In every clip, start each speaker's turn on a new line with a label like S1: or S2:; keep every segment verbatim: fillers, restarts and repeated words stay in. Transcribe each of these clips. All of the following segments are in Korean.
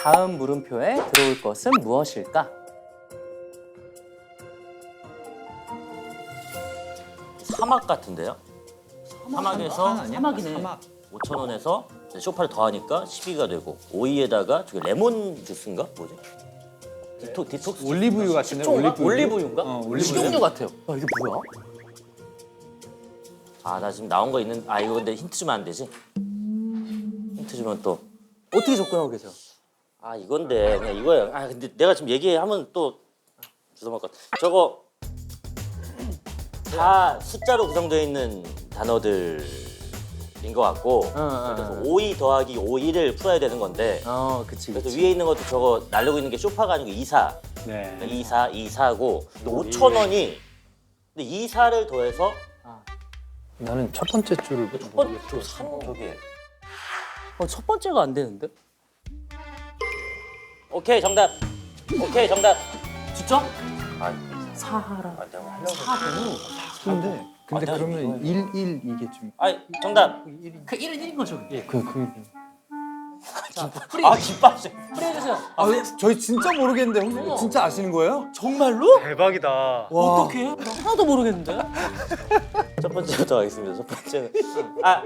S1: 다음 물음표에 들어올 것은 무엇일까?
S2: 사막 같은데요? 사막에서
S1: 사막이네.
S3: 사막.
S2: 오천 원에서 쇼파를 더하니까 십이가 되고 오이에다가 저게 레몬 주스인가? 뭐지? 디토, 디톡스
S3: 올리브유 같은데?
S2: 식초인가?
S3: 올리브유.
S2: 올리브유인가?
S3: 어, 올리브유.
S1: 식용유 같아요. 야, 이게 뭐야?
S2: 아, 나 지금 나온 거 있는. 아, 이거 근데 힌트 주면 안 되지? 힌트 주면 또.
S1: 어떻게 접근하고 계세요?
S2: 아, 이건데 그냥 이거예요. 아, 근데 내가 지금 얘기하면 또 주워먹을 것 같아. 저거 다 숫자로 구성되어 있는 단어들인 것 같고
S1: 응,
S2: 그래서
S1: 응.
S2: 오이 더하기 오이를 풀어야 되는 건데
S1: 어, 그치,
S2: 그래서
S1: 그치.
S2: 위에 있는 것도 저거 날리고 있는 게 쇼파가 아니고 이사.
S3: 네.
S2: 이사, 이사고 오천 원이 근데 이사를 더해서
S3: 나는 첫 번째 줄을
S2: 첫 번째 산 저게.
S1: 어, 첫 번째가 안 되는데?
S2: 오케이 정답. 오케이 정답.
S1: 진짜?
S2: 아,
S1: 사하라.
S2: 아 내가 하려고.
S1: 사부.
S3: 근데 근데
S2: 아,
S3: 그러면 일, 일 이게 좀
S2: 아 정답.
S1: 그 일은 일인 거죠.
S3: 예, 그, 그
S1: 자, 프리,
S2: 아 김밥씨.
S1: 프리 해주세요.
S3: 아, 저희 진짜 모르겠는데 혹시
S1: 어머.
S3: 진짜 아시는 거예요?
S1: 정말로?
S3: 대박이다. 와.
S1: 어떻게? 나 하나도 모르겠는데?
S2: 첫 번째부터 하겠습니다. 첫 번째는 아.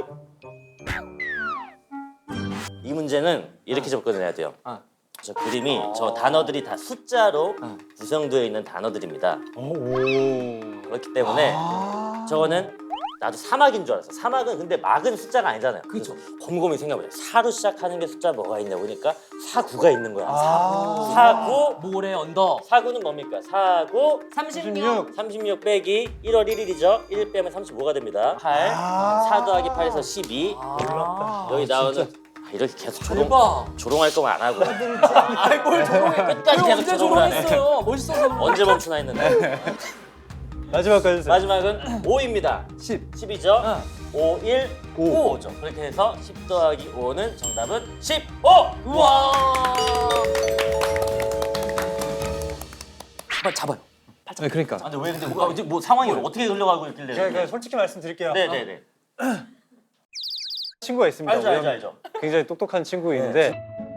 S2: 이 문제는 이렇게 접근을 해야 돼요.
S1: 아.
S2: 저 그림이 저 단어들이 다 숫자로
S1: 아.
S2: 구성되어 있는 단어들입니다.
S3: 오.
S2: 그렇기 때문에
S3: 아.
S2: 저거는 나도 사막인 줄 알았어. 사막은 근데 막은 숫자가 아니잖아요.
S1: 그렇죠.
S2: 곰곰이 생각해보자. 사로 시작하는 게 숫자 뭐가 있냐 보니까 사구가 있는 거야.
S3: 아.
S2: 사구.
S1: 모래 언더.
S2: 사구는 뭡니까? 사구.
S1: 삼십육.
S2: 삼십육 빼기 일월 일일이죠. 일 빼면 삼십오가 됩니다. 팔.
S3: 아.
S2: 사 더하기 팔에서 십이.
S1: 아,
S2: 여기 나오는 아, 이렇게 계속 조롱
S1: 대박.
S2: 조롱할 거면 안 하고
S1: 아이, 뭘 조롱해.
S2: 끝까지 계속
S1: 언제
S2: 조롱을 하네.
S1: 조롱했어요? 멋있어서.
S2: 언제 멈추나 했는데
S3: 마지막까지 해주세요.
S2: 마지막은 오입니다.
S3: 십.
S2: 십이죠.
S1: 응.
S2: 오, 일,
S3: 오.
S2: 오죠. 그렇게 해서 십 더하기 오는 정답은 십오.
S1: 우와. 빨리 잡아요.
S3: 네, 그러니까.
S2: 아, 근데 왜 근데 뭐, 뭐 상황이 어떻게 흘러가고 있길래?
S4: 제가 그냥 솔직히 말씀드릴게요.
S2: 네네네.
S4: 친구가 있습니다.
S2: 알죠 알죠
S4: 우영.
S2: 알죠.
S4: 굉장히 똑똑한 친구 있는데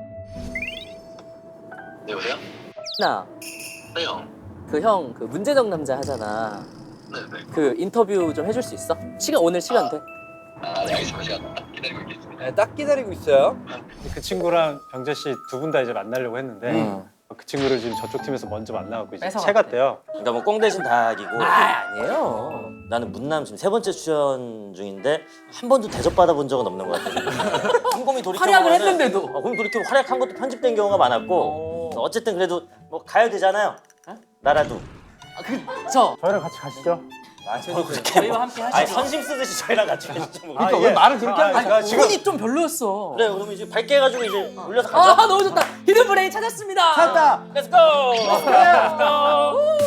S5: 여보세요?
S1: 나,
S5: 네, 형.
S1: 그 형, 그 문제적 남자 하잖아.
S5: 네네.
S1: 그 인터뷰 좀 해줄 수 있어? 시간, 오늘 시간 돼?
S5: 아, 네, 알겠습니다. 제가 딱 기다리고 있겠습니다.
S3: 네, 딱 기다리고 있어요.
S4: 그 친구랑 병재 씨 두 분 다 이제 만나려고 했는데
S1: 응.
S4: 그 친구를 지금 저쪽 팀에서 먼저 만나갖고 이제
S1: 뺏어갔대.
S4: 채 갔대요.
S2: 그러니까 뭐 꽁 대신 닭이고.
S1: 아, 아니에요.
S2: 나는 문남 지금 세 번째 출연 중인데 한 번도 대접 받아본 적은 없는 것 같아. 곰곰이 돌이켜
S1: 활약을
S2: 보면은
S1: 했는데도.
S2: 어, 곰 돌이켜 활약한 것도 편집된 경우가 많았고
S1: 오.
S2: 어쨌든 그래도 뭐 가야 되잖아요. 나라도.
S1: 아, 그, 저.
S4: 저희랑 같이 가시죠.
S2: 아, 저도 그렇게
S1: 저희와
S2: 뭐,
S1: 함께
S2: 아니
S1: 하시죠.
S2: 선심 쓰듯이 저희랑 같이 가시죠. 뭐.
S3: 그러니까
S4: 아,
S3: 왜
S4: 예.
S3: 말을 그렇게 하는
S4: 아니,
S3: 거야?
S1: 아니,
S4: 지금-
S1: 운이 좀 별로였어.
S2: 그래 그럼 이제 밝게 해가지고 이제 올려서 가자.
S1: 아, 너무 좋다. 히든 브레인 찾았습니다.
S3: 찾았다.
S2: Let's go. Let's go.